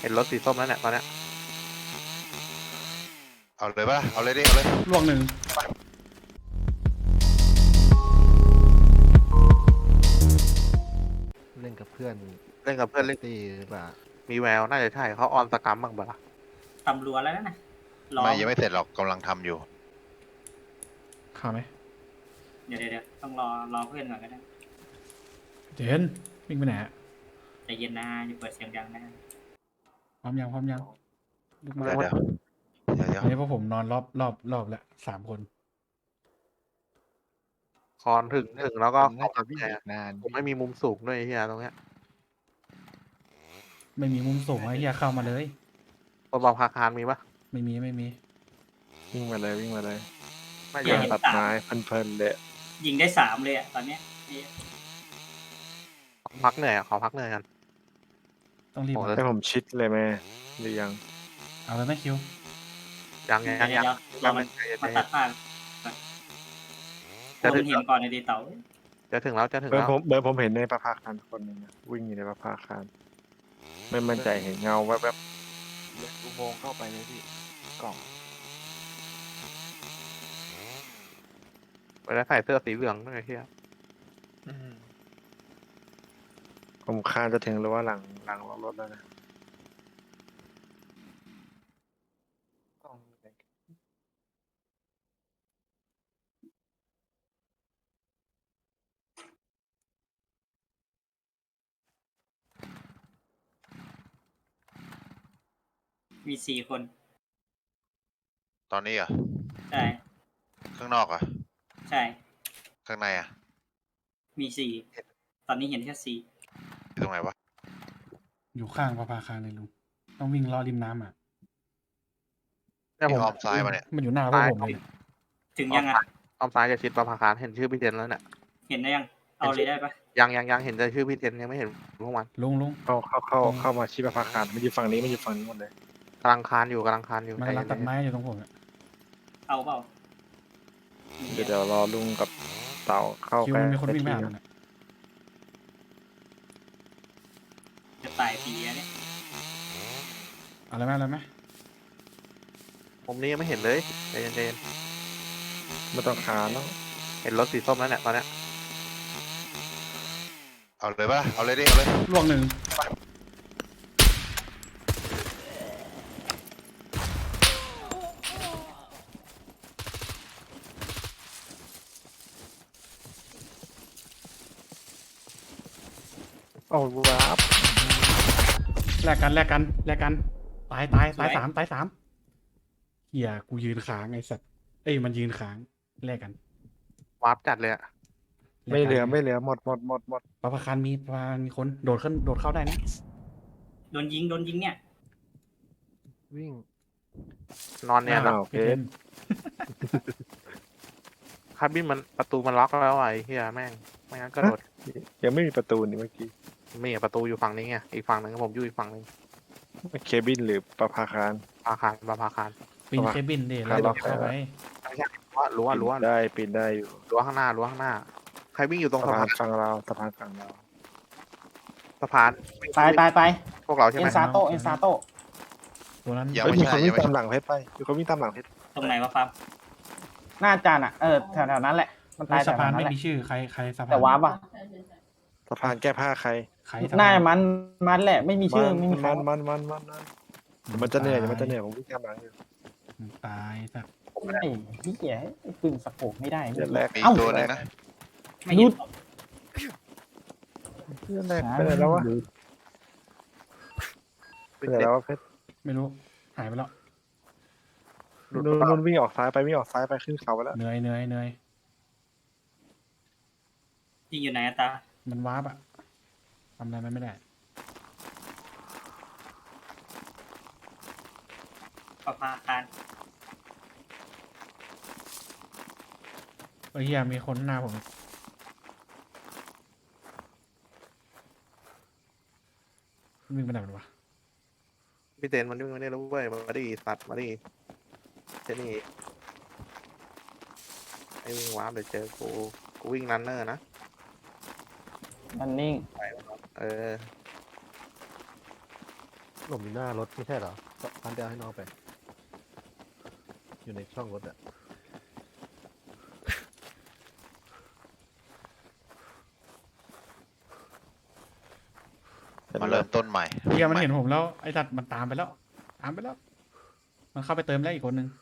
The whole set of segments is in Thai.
ห็นรถสีส้มแล้วเนี่ยตอนเนี้ยเอาเลยปะเอาเลยดิเอาเลยล่วงหนึ่งเล่นกับเพื่อนเล่นกับเพื่อนเล่นตีหรือเปล่ามีแววน่าจะใช่เขาออนสกรัมบ้างเปล่าตำรัวแล้วนะรอไม่ยังไม่เสร็จหรอกกำลังทำอยู่เข้าไหมเดี๋ยวต้องรอเพื่อนก่อนก็ได้เจนวิ่งไปไหนอะใจเย็นนะอย่าเปิดเสียงดังนะพร้อมยังลุกมาเดี๋ยวอันนี้พวกผมนอนรอบแล้ว3 คนคอนถึงแล้วก็น่าจะวิ่งอีกนานผมไม่มีมุมสูงด้วยไอ้เฮียตรงเนี้ยไม่มีมุมสูงไอ้เหี้ยเข้ามาเลยคนบอกพาคารมีปะไม่มีวิ่งมาเลยวิ่งมาเลยไม่เดี๋ยัยวงเห็นตัดไม้เพลินๆเลยยิงได้3เลยอะตอนเนี้ยนี่พักเหนื่อยขอพักเหนื่อยกันต้องรีบโอ้เอาแล้วให้ผมชิดเลยแม่หรือยังเอาเลยไหมคิวยังเดี๋ยวรอมันมาตัดผ้าพวกมันเห็นก่อนในดีเต๋าจะถึงแล้วจะถึงเบิร์แล้วผมเห็นในประภาคารคนหนึ่งอะวิ่งอยู่ในประภาคารไม่มั่นใจเห็นเงาแวบเล็กอุโมงค์เข้าไปเลยพี่กล่องไปแล้วใส่เสื้อสีเหลืองด้วยไอ้เฮียๆผมคาดจะถึงหรือว่าหลังรถแล้วนะกล่องเล็กมี4 คนตอนนี้เหรอ่ะใช่ข้างนอกอ่ะใช่ข้างในอ่ะมี4ตอนนี้เห็นแค่4 อยู่ตรงไหนวะอยู่ข้างประภาคารเลยลุงต้องวิ่งรอริมน้ำอ่ะเนี่ยผที่มอ้อมซ้ายมาเนี่ยมันอยู่หน้าพวกผมเลยเนี่ยถึงยังอ่ะอ้อมซ้ายจะชิดประภาคารเห็นชื่อพี่เจนแล้วเนี่ยเห็นได้ยังเอาเลยได้ปะยังเห็นแต่ชื่อพี่เจนยังไม่เห็นพวกมันลุงเข้ามาชิดประภาคารมันอยู่ฝั่งนี้หมดเลยกำลังคานอยู่มันกำลังใจตัดเย็นไม้อยู่ตรงผมอะเอาเปล่าเดี๋ยวรอลุงกับเต่าเข้าคิวไปมันมีคนวิ่งไปหามันอะจะตายปีอะเนี่ยเอาอะไรไหมๆผมนี้ยังไม่เห็นเลยใจเย็นไม่ต้องคานแล้วๆเห็นรถสีส้มแล้วเนี่ยตอนเนี้ยเอาเลยปะเอาเลยดิเอาเลยล่วงหนึ่งเอาวาบแลกกันตายสามเหี้ยกูยืนค้างไอ้สัตว์เอ้ยมันยืนค้างแลกกันวาร์ปจัดเลยอะไม่เหลือหมดประภาคารมีคนโดดเข้าได้นะโดนยิงเนี่ยวิ่งนอนเนี่ยอ้าวเพชรคาร์บินมันประตูมันล็อกแล้วอะไอ้เฮียแม่งไม่งั้นก็โดดยังไม่มีประตูนี่เมื่อกี้มีประตูอยู่ฝั่งนี้ไงอีกฝั่งหนึ่งผมอยู่อีกฝั่งหนึ่งเคบินหรือประภาคารประภาคารปีนเคบินดิแล้วโดดเข้าไปรั้วปีนได้อยู่รั้วข้างหน้าใครวิ่งอยู่ตรงสะสะพาพาน นฝั่งเราสะพานฝั่งเราสะพานตายพวกเราใช่เอ็ไหมนซาโตเอ็นซาโตตัวนั้นยังเฮ้ยไม่มีใช่คนยัวิ่งงไม่ตามใช่หลังเพชรไปมีคนวิ่งตามหลังเพชรตรงไหนวะฟาร์มหน้าจานอ่ะแถวนั้นแหละมันตายแถสะวพานนั้นไม่แหละมีชื่อใครสะพานแต่ว้าป่ะสะพานแก้ผ้าใครใครสะหน้าพานมันแหละไม่มีชื่อไม่มีใครมันเดี๋ยวมันจะเหนื่อยผมวิ่งตามหลังอยู่ตายสัตว์ไอ้พี่เหี้ยปืนสโคปไม่ได้เดือนแรกมีเอ้าตัวหนึงนะไม่เห็นเดือนแรกไปไหนแล้ววะไปไหนแล้ววะเพชรไม่รู้หายไปแล้วนุ่นวิ่งออกซ้ายไปขึ้นเขาไปแล้วเหนื่อยยิงอยู่ไหนอะตามันวาร์ปอะทำอะไรมันไม่ได้ประภาคารเฮียมีคนหน้าผมวิ่งไปไหนวะพี่เจนมันวิ่งมาเนี่ยแล้วเว้ยมาดิสัตว์มาดิเจนี่ไอ้วิ่งวาร์ปเดี๋ยวเจอกูวิ่งรันเนอร์นะมันนิ่งเออหลบอยู่หน้ารถไม่ใช่เหรอพันเดียวให้น้องไป อยู่ในช่องรถอะมาเริ่มต้นใหม่เฮียมันเห็นผมแล้วไอ้สัตว์มันตามไปแล้ว ตามไปแล้ว มันเข้าไปเติมแล้วอีกคนนึง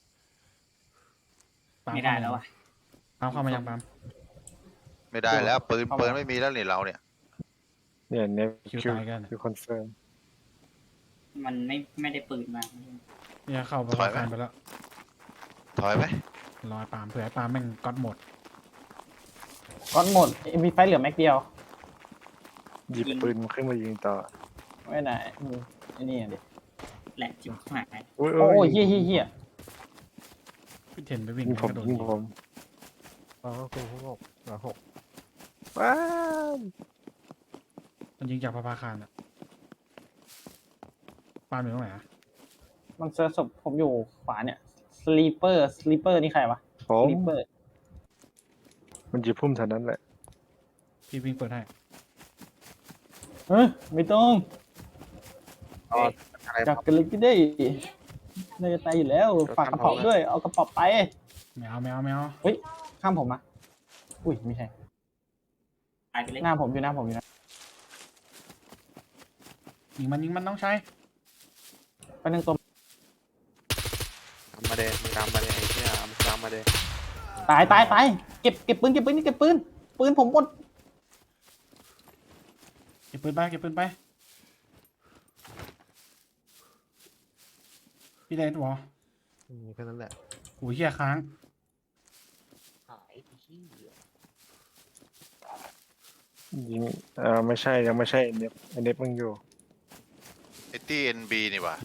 ปาไม่ได้แล้วอ่ะปาล์มเข้ามายังปาล์มไม่ได้แล้วปืนไม่มีแล้วนี่เราเนี่ยเนี่ยเนี่ยคิวคิวตายกันคือคอนเฟิร์มมันไม่ได้ปืนมาเนี่ยเข้าไปถอยไหมปาล์มไปแล้วถอยไหมรอไอ้ปาล์มเผื่อไอ้ปาล์มแม่งก๊อตหมดก้อนหมดมีไฟเหลือแม็กเดียวหยิบปืนขึ้นมายิงต่อไม่ได้ไอ้นี่อ่ะดิแหละจิ๋วหายอุ้ยโอ้ยเฮี้ยเฮี้ยเฮี้ยพี่เทนไปวิ่งยิงผมกระโดดยิงผมอ๋อคุณหกหกว้าวมันยิงจากพระพาคารอ่ะปาล์มอยู่ตรงไหนอะมันเซิร์ชศพผมอยู่ขวาเนี่ยสลีเปอร์นี่ใครวะผสมลีเปอร์มันหยิบพุ่มเท่านั้นแหละพี่วิ่งเปิดให้เฮ้ยไม่ต้องอ๋ออะไรจับกันเลยก็ได้น่าจะตายอยู่แล้วฝากกระเป๋าด้วยเอากระเป๋าไปไม่เอาไม่เอาไม่เอาข้ามผมมาอุ้ยไม่ใช่ตายไปเลยหน้าผมอยู่หน้าผมอยู่นะยิงมันต้องใช้ไปหนึ่งตัวทำมาเดมึงทำมาเดไอ้เหี้ยมึงทำมาเดตายเก็บปืนนี่เก็บปืนผมหมดเก็บปืนไปเก็บปืนไปพี่เลนวอมีแค่นั้นแหละโอ้ยเฮียค้างยิงไม่ใช่ยังไม่ใช่เน็บเน็บมึงอยู่ไอตี้ NB นี่หว่า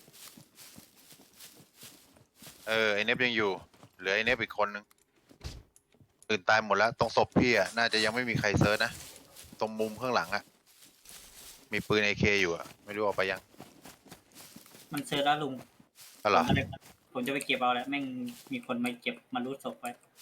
ไอเนฟยังอยู่เหลือไอเนฟอีกคนนึงตื่นตายหมดแล้วตรงศพพี่อ่ะน่าจะยังไม่มีใครเซิร์ชนะตรงมุมข้างหลังอ่ะมีปืน AK อยู่อ่ะไม่รู้เอาไปยังมันเจอแล้วลุงก็เหรอผมจะไปเก็บเอาแล้วแม่งมีคนมาเก็บมารูดศพไป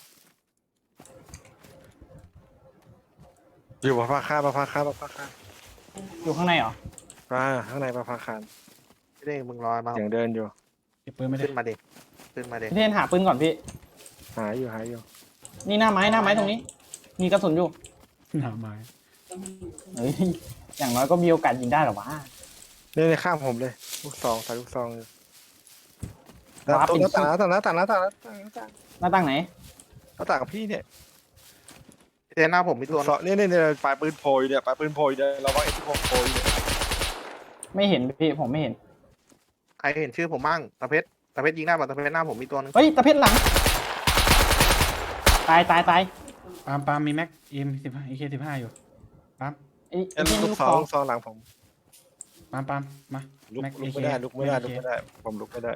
อยู่ประภาคารประภาคารอยู่ข้างในเหรอข้างในประภาคารพี่เด้งมึงรอมาอย่างเดินอยู่เก็บปืนไม่ได้ขึ้นมาเดขึ้นมาเดพี่เทนหาปืนก่อนพี่หายอยู่นี่หน้าไม้ตรงนี้ มีกระสุนอยู่หนาไม้เฮ้ยอย่างน้อยก็มีโอกาสยิงได้หรอวะเนี่ยข้างผมเลยลูกซองใส่ลูกซองอยู่ว้าตรงเป็นหน้าต่างหน้าต่างหน้าต่างไหนกับพี่เนี่ยพี่เด้งหน้าผมมีลูตัวกซองเนี่ยปลายปืนโผล่อยู่เนี่ยปลายปืนโผล่อยู่เนี่ยเราว่าไอ้ที่โผล่อยู่เนี่ยไม่เห็นพี่ผมไม่เห็นใครเห็นชื่อผมมั่งตะเพชรยิงได้ป่ะตะเพชรหน้าผมมีตัวนึงเฮ้ยตะเพชรหลัง ตายปาล์มมีแม็กM15 AK15อยู่ปาล์มไอ้เนี่ยที่ลูลูกกซซออง งลูกซองหลังผมปาล์มมาลุกแม็กไม่ AK ได้ลุกไม่ได้ ผมลุกไม่ได้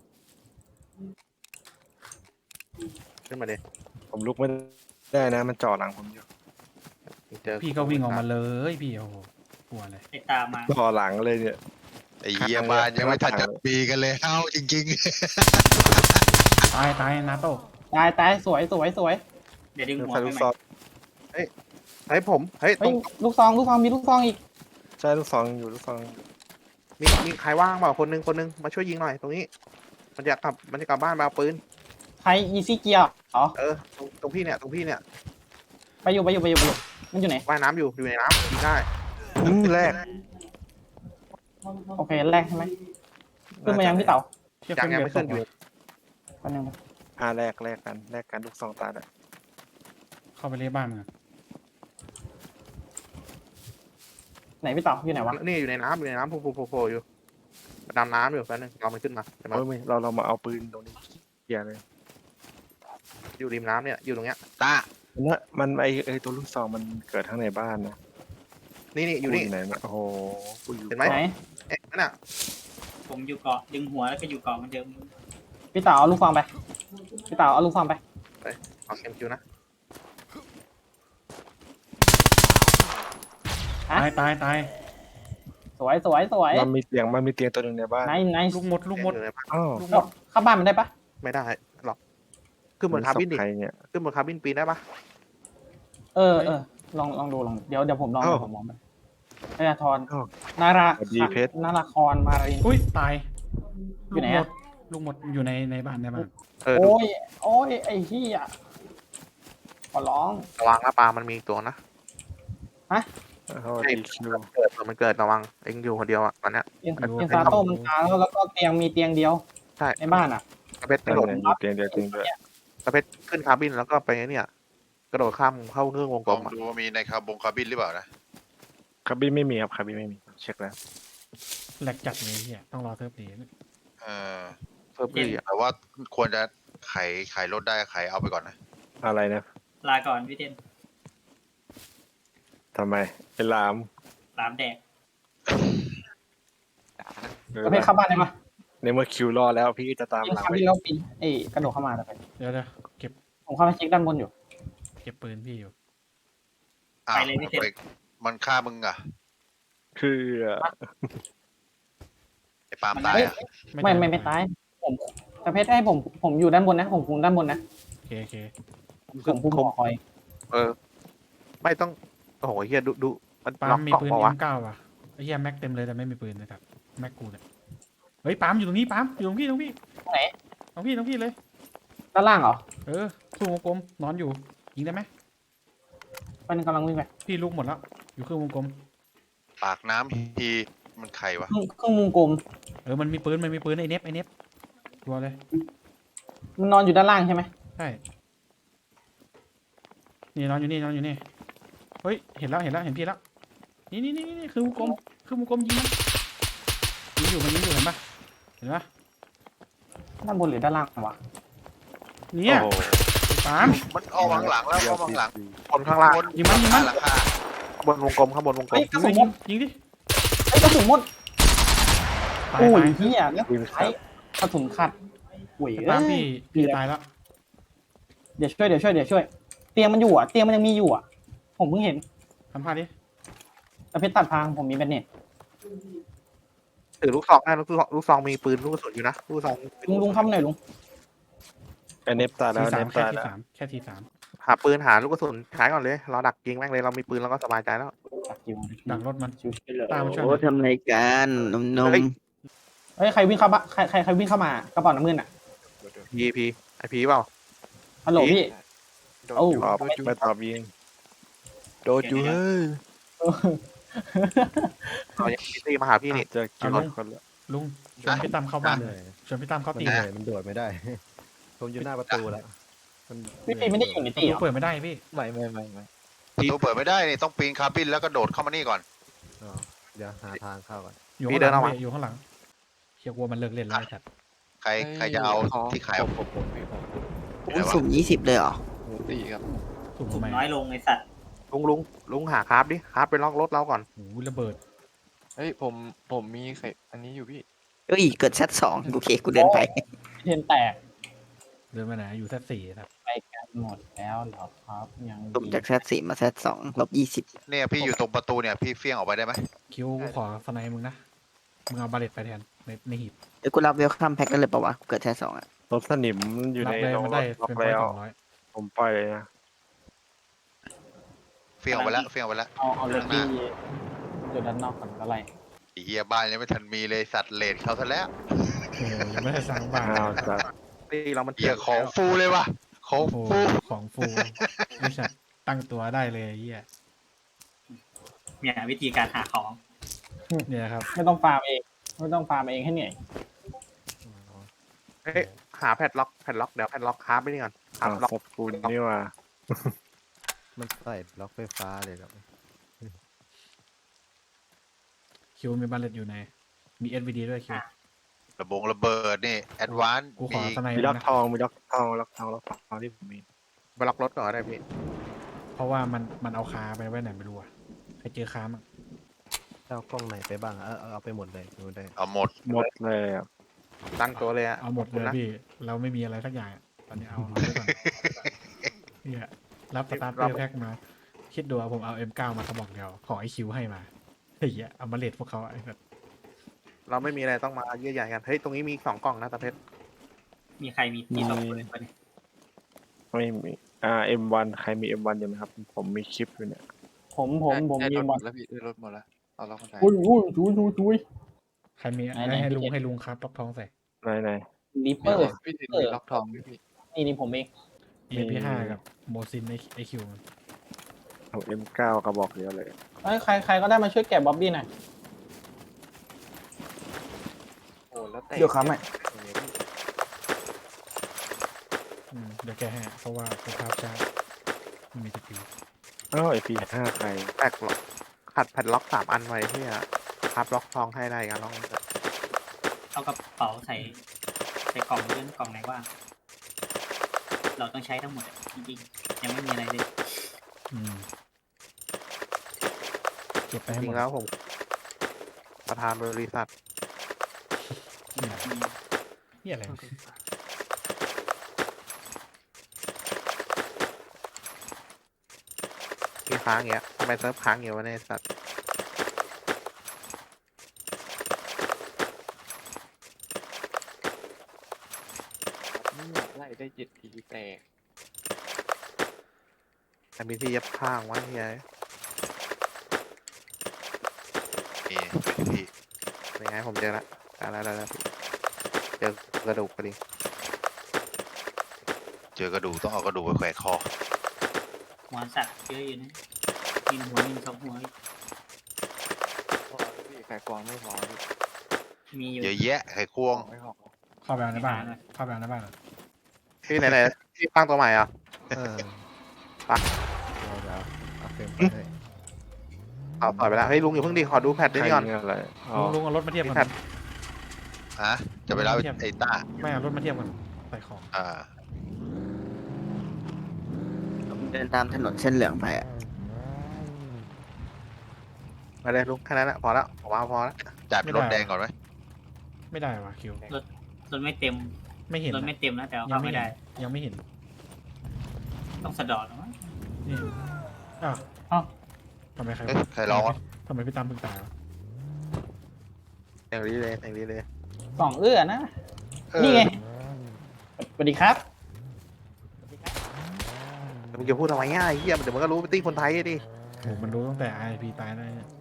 ขึ้นมาเดผมลุกไม่ได้นะมันจ่อหลังผมอยู่เจอพี่ก็วิ่งออกมาเลยพี่โอ้โหกลัวเลยไอ้ตามมาจ่อหลังเลยเนี่ยไอเยี่ยบ้านยังไม่ทันจะปีกันเลยเอ้าจริงตายนาโต้ตายสวยเดี๋ยวดึงหัวใส่ไปลูกใหซม่องเฮ้ยผมเฮ้ยตเฮ้รยงลูกซองมีลูกซองอีกใช่ลูกซองอยู่ลูกซองมีใครว่างเปล่าคนนึงมาช่วยยิงหน่อยตรงนี้ มันจะกลับบ้านมาเอาปืนใครอีซี่เกียร์อ๋อตรงพี่เนี่ยไปอยู่มันอยู่ไหนว่ายน้ำอยู่ในน้ำยิงได้แรกโอเคแรกใช่ไหมขึ้นมายังพี่เต๋าเทียบยังไม่ขึ้นอยู่แป๊บนึงแลกกันลูกซองตายแล้วเข้าไปเรียบ้านมึงอะไหนพี่เต๋าอยู่ไหนวะนี่อยู่ในน้ำโผล่อยู่ดำน้ำอยู่แป๊บนึงเรามันขึ้นมาเห็นไหมไม่เรามาเอาปืนตรงนี้เกียร์เลยอยู่ริมน้ำเนี่ยอยู่ตรงเนี้ยๆตามันไอตัวลูกซองมันเกิดข้างในบ้านนะนี่อยู่นี่ไหนเนี่ยโอ้โหกูอยู่เห็นไหมไหนนั่นน่ะผมอยู่เกาะดึงหัวแล้วก็อยู่เกาะเหมันเดิมพี่เต๋าเอาลูกซองไปเอาลูกซองไปเอาเข็มคิวนะตายสวยมันมีเตียงตัวหนึ่งในบ้านไหนลูกหมดอยู่ในบ้านอ้าวลูกหมดเข้าบ้านมันได้ปะไม่ได้หรอกขึ้นบนคาร์บินดิใครเนี่ยขึ้นบนคาร์บินปีนได้ปะลองดูเดี๋ยวผมลองไปพยาธรอ้าวนาราสวัสดีเพชรนาราครมารินอุ้ยตายอยู่ไหนอะลูกหมดอยู่ในบ้านในบ้านดูโอ้ย โอ้ย ไอ้เหี้ยขอร้องระวังนะปลามันมีอีกตัวนะเขาดีคิวมันเกิดระวังเองอยู่คนเดียวอ่ะตอนเนี้ยเอ็นซาโต้มันตายแล้วก็เตียงมีเตียงเดียวใช่ในบ้านอ่ะตะเพชรกนั่ระนโดดแหละมีเตียงเดียวจริงด้วยตะเพชรขึ้นคาร์บินแล้วก็ไปเนี่ยกระโดดข้ามเข้าเครื่องวงกลลองมอ่ะดูว่ามีในคาบินหรือเปล่านะคาบินไม่มีครับคาบินไม่มีเช็คแล้วแหลกจัดเลยเฮียต้องรอเทิร์ฟดีนะเออเฟิร์ฟลี่อ่ะแต่ว่าควรจะไขรถได้ไขเอาไปก่อนนะอะไรนะลาก่อนพี่เทนทำไมไอ้ลามลามแดกประเภทเข้าบ้านได้ปะในเมื่อคิวรอแล้วพี่จะตามยิงหลังคาไปบินแล้วปีนเอ้ยกระโดดเข้ามาแต่ไปเดี๋ยวเก็บผมเข้าไปเช็คด้านบนอยู่เก็บปืนพี่อยู่อ้าวมันฆ่ามึงอ่ะคือไอ้ปาล์มตายอ่ะไม่ตาย ผมประเภทให้ผมอยู่ด้านบนนะ ผมคุมด้านบนนะโอเคผมคุมหอคอยไม่ต้องโอ้โหเฮียดูมันปาล็ล์อกมมีเกาะปืนเปล่าวะ M9 ว่ะไอ้เฮียแม็กเต็มเลยแต่ไม่มีปืนนะครับแม็กกูเนี่ยเฮ้ยปาล์มอยู่ตรงนี้ปาล์มอยู่ตรงพี่ไหนตรงพี่เลยด้านล่างเหรอเออสู้วงกลมนอนอยู่ยิงได้ไหมมันกำลังวิ่งไปพี่ลูกหมดแล้วอยู่ครึ่งวงกลมปากน้ำทีมันใครวะเครื่องมุมกลมมันมีปืนไอ้เนฟตัวเลยมันนอนอยู่ด้านล่างใช่ไหมใช่นี่นอนอยู่นี่เฮ้ยเห็นพี่แล้วนี่คือวงกลมยิงมันยิงอยู่เห็นปะด้านบนหรือด้านล่างวะเนี่ยโอ้โหปาล์มมันเอาวางหลังแล้วเอาวางหลังคนข้างล่างยิงมันหลังคาข้างบนวงกลมข้างบนวงกลเฮ้มยกระสุนหมดยิงดิเฮ้ยกระสุนหมดตายโอ้ยตายเหี้ยแล้วใช้กระสุนขัดหวยปาล์มเอ้ยพี่ตายแล้วเดี๋ยวช่วย เตียงมันอยู่อ่ะ เตียงมันยังมีอยู่อ่ะ ผมเพิ่งเห็นทำพลาดดิแต่เพชรตัดพางผมมีแบนเน็ตถือลูกซองได้ลูกซองมีปืนลูกกระสุนอยู่นะลูกซองลุงเข้ามาหน่อยลุงไอ้เนฟตายแล้วทีเนสามฟแค่ตายทีแล้วสามแค่ทีสามหาปืนหาลูกกระสุนใช้ก่อนเลยเราดักยิงแม่งเลยเรามีปืนเราก็สบายใจแล้วดักอยู่ดักรถมันชิวตามมาช่วยหโอ้น่อยทำรายการนมเฮ้ยๆเฮ้ยใครวิ่งเข้าบ้านใครวิ่งเข้ามากระเป๋าน้ำเงินอ่ะพีไอพีเปล่าฮัลโหลพี่ โอ้ตอบไม่ตอบยิงโดนอยู่เฮ้ยเรายังมีตีมาหาพี่นี่เจอคิวคนละลุงชวนพี่ตั้มเข้าบ้านชวนพี่ตั้มเข้าตีมันโดดไม่ได้ ผมอยู่หน้าประตูแล้วมันพี่ปีไม่ได้อยู่ในประตีตูเหรอเปิดไม่ได้พี่ไม่ประตูเปิดไม่ได้นี่ต้องปีนคาบินแล้วก็โดดเข้ามานี่ก่อนอ๋อเดี๋ยวหาทางเข้าก่อนอยู่ข้างหลังพี่อยู่ข้างหลังเชียร์กลัวมันเลิกเล่นแล้วไอ้สัตว์ใครจะเอาที่ขายผมอุ้ยสุ่ม20เลยเหรอตีครับถูกสุ่มไหมน้อยลงไอสัตว์ลุงหาคราฟดิคราฟไปล็อกรถเราก่อนโอ้โหระเบิดเฮ้ยผมมีไข่อันนี้อยู่พี่เอ้ย เกิดแซด2โอเค กูเดินไปเทียนแตกเดินมาไหนอยู่แค่สี่ครับไปกันหมดแล้วเหรอครับยังสุ่มจากแซด4มาแซด2ลบ20 เนี่ยพี่อยู่ตรงประตูเนี่ยพี่เฟี้ยงออกไปได้ไหมคิวกูขอสไนมึงนะมึงเอาบาเลตไปแทนในหีบเอ้ยกูรับเวลคัมแพ็กได้เลยปะวะ เกิดแซด2อ่ะรถสนิมอยู่รัในบเลยโรงมันรได้ถล็อเป็นกพอยแล้ว 200 ผมปล่อยเลยนะเฟี้ยงออกไปแล้วเฟี้ยงออกไปแล้วเอารถที่อยู่ด้านนอกก่อนก็ไรไอ้เฮียบ้านยังไม่ทันมีเลยสัตว์เลดเขาซะแล้วโอ้โหยังไม่ได้สร้างบ้านอ้าวจัดตีเรามันเฮียของฟูเลยว่ะของโอ้โหฟูของฟูไม่ใช่ตั้งตัวได้เลยไอ้เฮียเนี่ยวิธีการหาของเนี่ยครับไม่ต้องฟาร์มเองให้เหนื่อยเฮ้ยหาแพดล็อกเดี๋ยวแพดล็อกคราฟไปนี่ก่อนคราอ้าฟวล็อกสปูนนี่ว่ามันใส่ล็อกไฟฟ้าเลยครับคิวมีบาเลตอยู่ในมี SVD ด้วยคิวระเบิดนี่แอดวานซ์กูขอมีสไนมีมึล็งอกนะทองมีล็อกทองที่ผมมีไปล็อกรถก่อนก็ได้พี่เพราะว่ามันเอาคาไปไว้ไหนไม่รู้อะใครเจอคามั้งเจ้ากล้องไหนไปบ้างเอาไปหมดเลยดูได้เอาหมดหมดเลยอะตั้งตัวเลยอะเอาหมดเลยนะพี่เราไม่มีอะไรสักอย่างอะตอนนี้เอาไว้ก่อนเนี่ยรับสตาร์เตอร์แพ็กมา คิดดูว่าผมเอา M9 มากระบอกเดียวขอไอคิวให้มาเฮ้ยเอามาเลทพวกเขาไอ้แบบเราไม่มีอะไรต้องมาเยื่อใหญ่กันเฮ้ยตรงนี้มี2กล่องนะตาเพชรมีใครมีที่ตกปืนปะเนี่ยไม่มีM1 ใครมี M1 อยู่ไหมครับ ผมมีคลิปอยู่เนี่ยผมมีบอลแล้วพี่ได้รถหมดแล้วเอาล็อกมาใส่อุ้ยอุ้ยอุ้ยใครมีไหนๆให้ลุงพี่เจ็ดให้ลุงครับล็อกทองใส่ไหนลิปเปพี่อร์พี่ทินมีล็อกทองไหมพี่นี่ผมเอง EP5 กับโมซินไอคิวๆของ M9 กระบอกเดียวเลยเอ้ยใครก็ได้มาช่วยแกะบ๊อบบี้หน่อยโอ้แล้วแต่เดี๋ยวครับแม่เดี๋ยวแกให้เพราะว่าสภาพช้าไม่มีสกิลอ้าวไอพีห้าใครแปลกหรอกขัดแผ่นล็อก3 อันไว้ที่พับล็อกทองให้ได้กันลองเอากระเป๋าใส่กล่องเลื่อนกล่องไหนว่างเราต้องใช้ทั้งหมดอะจริงๆยังไม่มีอะไรเลยเก็บไปจให้หริมงดๆแล้วผม ประธานบริษัทนี่อะไรมีค้างอย่างเงี้ยทำไมเซิร์ฟค้างอยู่วะเนี่ยไอ้สัตว์นี่อยากไล่ได้7 ทีแตกแต่มีที่ยับข้างวะเฮียนี่อยู่ที่พี่ยังไงผมเจอละได้พี่เจอกระดูกพอดีเจอกระดูกต้องเอากระดูกไปแขวนคอหัวสัตว์เยอะอยู่นะมีหัวมี2 หัวอีกพอแล้วพี่ไข่กวางไม่พอพี่มีอยู่เยอะแยะไข่ควงไม่พอเข้าไปเอาในบ้านเข้าไปเอาในบ้านพี่ไหนๆพี่ตั้งตัวใหม่อ่ะเออไปเดี๋ยวเอาเฟรมไปให้เอาต่อยไปแล้วเฮ้ยลุงอย่าเพิ่งดีขอดูแพทด้วยนี่ก่อนใครเนี่ยอะไรอ๋อลุงเอารถมาเทียบกันครับฮะ จะไปเล่าไอ้ต้าไม่เอารถมาเทียบกันใส่ของอ่าผมเดินตามถนนเส้นเหลืองไปอ่ะมาเลยลุงแค่นั้นแหละพอแล้วผมว่าพอแล้วจัดรถแดงก่อนไหมไม่ได้ว่ะคิวรถไม่เต็มไม่เห็นรถไม่เต็มนะแต่เอายัเข้างไม่ไม่เห็ได้นยังไม่เห็นต้องสะดอดนะมั้งนี่อ้าวเอ้าทำไมใครเอ๊ะใครร้องวะทำไมพี่ตั้มเพิ่งตายวะอย่างนี้เลยสองนะเออนี่ไงสวัสดีครับมึงจะพูดทำไมง่ายเฮียเดี๋ยวมันก็รู้เป็นตี้คนไทยดิโหมันรู้ตั้งแต่ IP ตายแล้วเนี่ย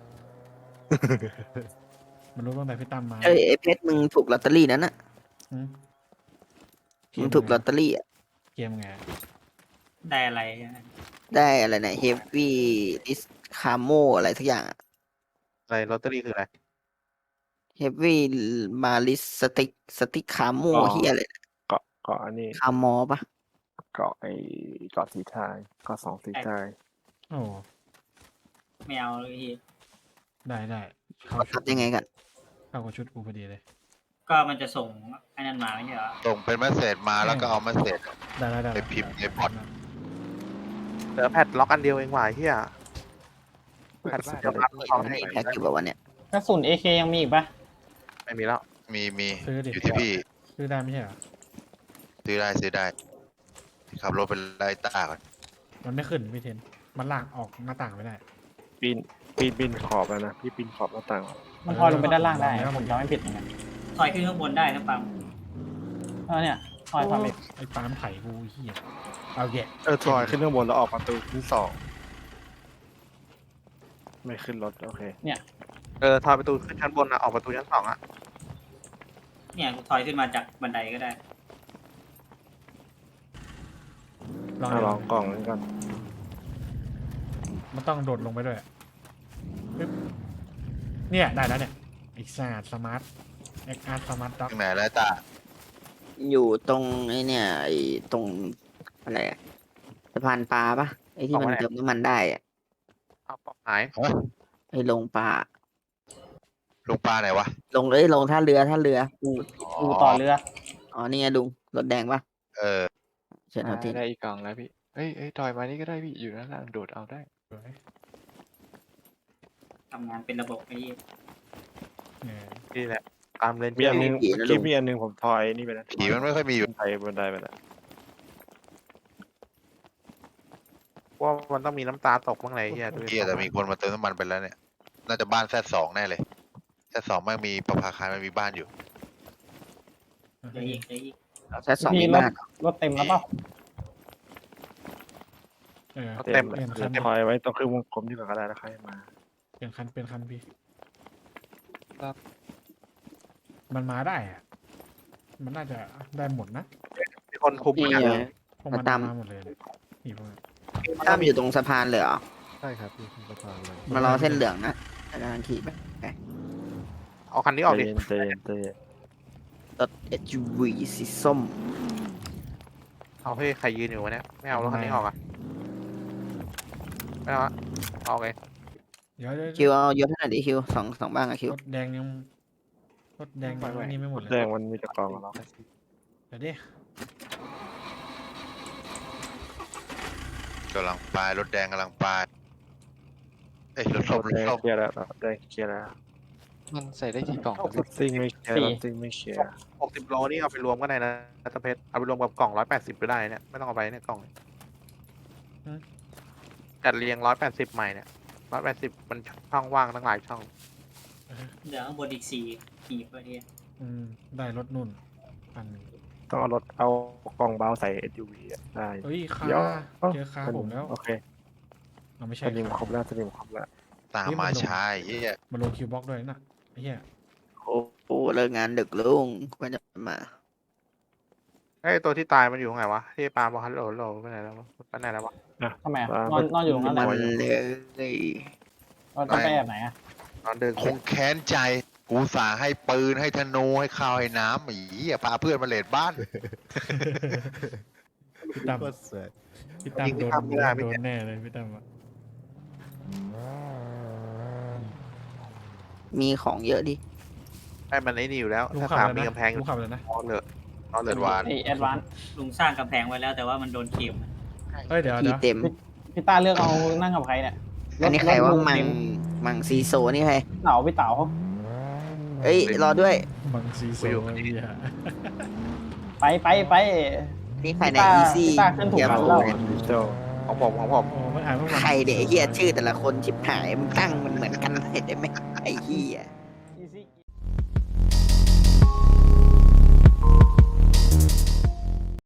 มันรู้ตั้งแต่พี่ตั้มมาเอ้ยไอ้เพชรมึงถูกลอตเตอรี่นั้นอ่ะหืมมึงถูกลอตเตอรี่อ่ะเกมไงได้อะไรได้อะไรนะเฮฟวี่ดิสคาโมอะไรสักอย่างอะไรลอตเตอรี่คืออะไรเฮฟวี่มาลิสสติกคาโมเฮียอะไรเกาะอันนี้คามอปะเกาะเกาะสีทายเกาะ2 สีทายโอ้ไม่เอาเลยพี่ได้เข้าชุทัดบยังไงกันเข้ากับชุดกูพอดีเลยก็มันจะส่งไอ้นั่นมาไม่ใช่เหรอส่งเป็นเมสเซจมาแล้วก็เอาเมสเซจได้ไปพิมพ์ในพอร์ตเหลือแพทล็อกอันเดียวเองว่ะเฮียเปิดบ้านเดี๋ยวรับทองให้แพ็กอยู่แบบวันเนี้ยกระสุน AK ยังมีอีกปะไม่มีแล้วมีซื้อดิอยู่ที่พี่ซื้อได้ไม่ใช่เหรอซื้อได้ขับรถไปไล่ต้าก่อนมันไม่ขึ้นพี่เทน มันลากออกหน้าต่างไม่ได้ปีนขอบแล้วนะพี่ปีนขอบหน้าต่างมันพอลงไปด้านล่างได้แล้วผมจำไม่ผิดเหมือนกันถอยขึ้นข้างบนได้นะปังเนี่ยพอยความเร็วไอ้ปาล์มไถกูเหี้ยเอาแยะซอยขึ้นข้างบนแล้วออกประตูที่2ไม่ขึ้นรถโอเคทอยประตูขึ้นชั้นบนนะออกประตูชั้น2อ่ะเนี่ยถอยขึ้นมาจากบันไดก็ได้ลองกล่องนี้ก่อนมันต้องโดดลงไปด้วยปึ๊บเนี่ยได้แล้วเนี่ยอีกศาสตร์สมาร์ทเอ็กอาร์สมาร์ทด็อกข้างไหนแล้วต้าอยู่ตรงไอ้เนี่ยไอ้ตรงอะไรอะสะพานปลาปะไอ้ที่มันเติมน้ำมันได้อะเอาปอกหายไอ้ลงปลาลุงปลาไหนวะลงท่าเรืออูต่อเรืออ๋อนี่ไงลุงรถแดงปะเออเชิญเอาที่ได้อีกกล่องแล้วพี่เอ้ยถอยมานี่ก็ได้พี่อยู่ด้านล่างโดดเอาได้ทำงานเป็นระบบไอ้นี่เนี่ยนี่แหละตามเลนมีอันนึงเมื่อกี้มีอันนึงผมทอยนี่ไปแล้วผีมันไม่ค่อยมีอยู่ไปบนไดไปแล้วว่ามันต้องมีน้ำตาตกบ้างไรเฮียดูดิเกียแต่มีคนมาเติมน้ำมันไปแล้วเนี่ย น่าจะบ้านZ2แน่เลยZ2ไม่มีประภาคารมันมีบ้านอยู่เหลืออีกแค่สองมีมีรถมากรถเต็มแล้วเปล่าเออเต็มเลยทอยไว้ต้องคือวงกลมที่ก่อนก็ได้แล้วใครมาลี่ยนคันเป็นคันพี่ครับมันมาได้อะมันน่าจะได้หมดนะมีคนคุมนี่เนี่ยไงพวกมันตามมาหมดเลยเนี่ยนี่พวกมันตั้มอยู่ตรงสะพานเลยเหรอใช่ครับพี่สะพานเลยมารอเส้นเหลืองนะกำลังขี่ไปเอาคันนี้อใจอกดิเย็นใจเย็นใจเย็นรถ SUV สีส้มเอาเฮ้ยใครยืนอยู่วะเนี่ยไม่เอารถคันนี้ออกอ่ะไม่เอาอะเอาไงเดี๋ยวคิวเอายศให้หน่อยดิคิวสองบ้างอะคิวรถแดงยังรถแดงยังอันนี่ไม่หมดเลยแดงมันมีแต่กล่องแล้วเดี๋ยวดิกำลังไปรถแดงกำลังไปเอ้ยรถรส้มถรแดถงส้มเคลียร์แล้วรถแดงเคลียร์แล้วมันใส่ได้กี่กล่องรถซิ่งไม่เคลียร์รถซิ่งไม่เคลียร์ 60 โลนี่เอาไปรวมก็ได้นะตะเพชรเอาไปรวมกับกล่อง180ก็ได้เนี่ยไม่ต้องเอาไปเนี่ยกล่องจัดเรียง180ใหม่เนี่ย180มันช่องว่างตั้งหลายช่องเหลือข้างบนอีกสี่หีบเลยเนี่ยได้รถนุ่นอันหนึ่งต้องเอารถเอากล่องเบาใส่ SUV อะได้เฮ้ยคาเดี๋ยวเจอคาผมแล้วโอเคเราไม่สใช่นิมครบแล้วสนิมครบแล้วตามมาช้าไอ้เหี้ยมาลงคิวบ็อกด้วยนะไอ้เหี้ยโอ้โหเลิกงานดึกลุงควรจะมาไอ้ยตัวที่ตายมันอยู่ตรงไหนวะที่ปาล์มบอกฮัลโหลฮัลโหลไปไหนแล้ววะไปไหนแล้ววะทำไมอะนอนอยู่ตรงนั้นแหมัละนเลยเราต้องไปแอบไหนอะนอนเดินคงแค้นใจกูสาให้ปืนให้ธนูให้ข้าวให้น้ำไอ้เหี้ยพาเพื่อนมาเลดบ้านพี่ตั้มโคตรสวยพี่ตั้มโดนแน่เลยพี่ตั้มอะมีของเยอะดิไอ้มันไอ้นี่อยู่แล้วลุงถ้าขับสามเลยมีนะกำแพงอลุยู่งขับเลยนะนอนเลยนอนเลยวานไอแอดวานซ์ลุงสร้างกำแพงไว้แล้วแต่ว่ามันโดนเข็มเฮ้ยเดี๋ยวที่เดี๋ยวเต็มพี่ต้าเลือกเอานั่งกับใครเนี่ยอันนี้ใครว่าถลุมังเต็มังซีโซนี่ใครเต๋าพี่เต๋าเอ้ยรอด้วยบังซีโซ่ไอ้เหี้ยไปนี่ใครในพี่ต้าอีซี่พี่ต้าขึ้นถูกอย่าแล้วพูดดิจิตอลของผมของผมโอ้มันอ่านว่าบังใครเด็กเฮียชื่อแต่ละคนชิบหายมึงตั้งมันเหมือนกันเลยได้ไหมไอ้เฮีย